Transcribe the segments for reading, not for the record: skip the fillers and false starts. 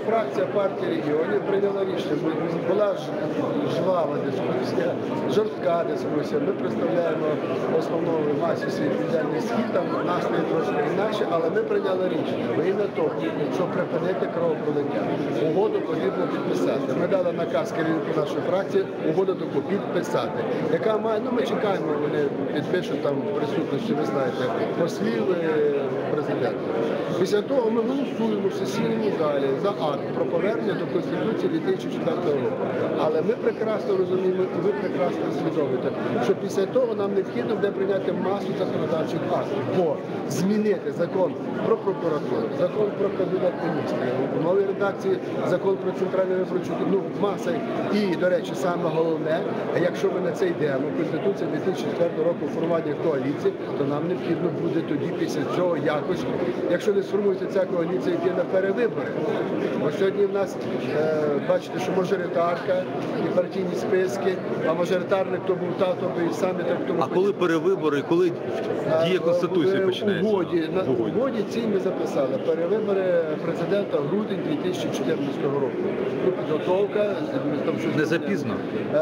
фракція партії регіонів прийняла рішення. Була жвава дискусія, жорстка дискусія. Ми представляємо основну масі свій південний схід, там настрої трошки інакше, але ми прийняли рішення. Во ім'я того, щоб припинити кровопролиття. Угоду потрібно підписати. Ми дали наказ керівнику нашої фракції угоду таку підписати. Яка має, ну ми чекаємо, вони підпишуть там в присутності, ви знаєте, послів президента. Після того ми голосуємо в сесійному залі за акт про повернення до Конституції 2004 року. Але ми прекрасно розуміємо і ви прекрасно усвідомлюєте, що після того нам необхідно буде прийняти масу законодавчих актів, бо змінити закон про прокуратуру, закон про Кабінет міністрів, у новій редакції закон про Центральну виборчу, ну, маса. І, до речі, саме головне, якщо ми на це йдемо, Конституція 2004 року формування коаліції, то нам необхідно буде тоді після цього якось, якщо не сформується ця коаліція, йти на перевибори. Ось сьогодні в нас, бачите, що мажоритарка і партійні списки, а мажоритарник то був тато, і самі так тому. А коли перевибори, коли дія Конституції починається? В угоді цій ми записали перевибори президента в грудень 2014 року. Підготовка. Там щось не запізно?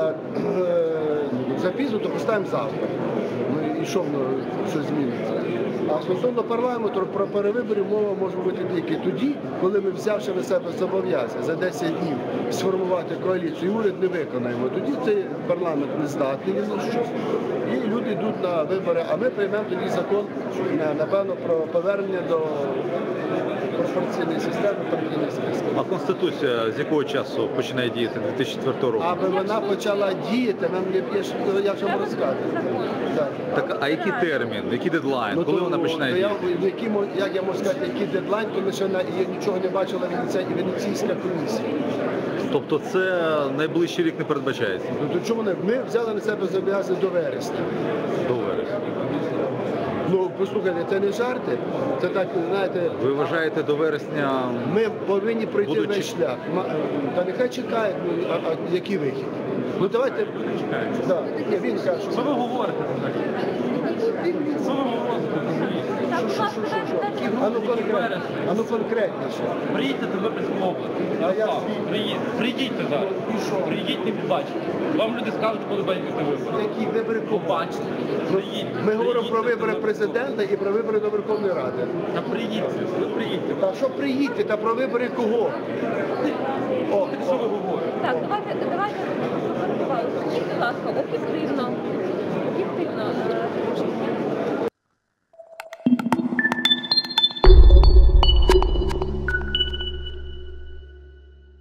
Запізно, то поставимо завтра. І що воно щось зміниться. А стосовно парламенту, про перевибори мова може бути тільки тоді, коли ми, взявши на себе зобов'язання за 10 днів сформувати коаліцію, і уряд не виконаємо. Тоді цей парламент не здатний ні на що. І люди йдуть на вибори, а ми приймемо тоді закон, напевно, про повернення до пропорційної системи партійних списків. А Конституція з якого часу починає діяти 2004 року? Аби вона почала діяти, нам не б'є, я вже вам розказую. Так, а який термін, який дедлайн, коли вона починає діяти? Як я можу сказати, який дедлайн, тому що я нічого не бачила Венеційська комісія. Тобто це найближчий рік не передбачається? Ну то чому не? Ми взяли на себе зобов'язання до вересня. До вересня. Ну, послухайте, це не жарти, це так, знаєте... Ви вважаєте, до вересня... Ми повинні пройти весь шлях. Та нехай чекають, а який вихід? Ну давайте... Да. Ні, він каже, що... Що ви говорите? Що ви говорите? А ну конкретніше. Приїдьте до Виборської області. Приїдьте зараз. Приїдьте і побачите. Вам люди скажуть, коли будете вибори. Які вибори побачите? Ми говоримо про вибори президента і про вибори до Верховної Ради. Та приїдьте, ви приїдьте. Та що приїдьте, та про вибори кого? Що ви говорите? Так, давайте, скажіть, будь ласка, об'єктивно,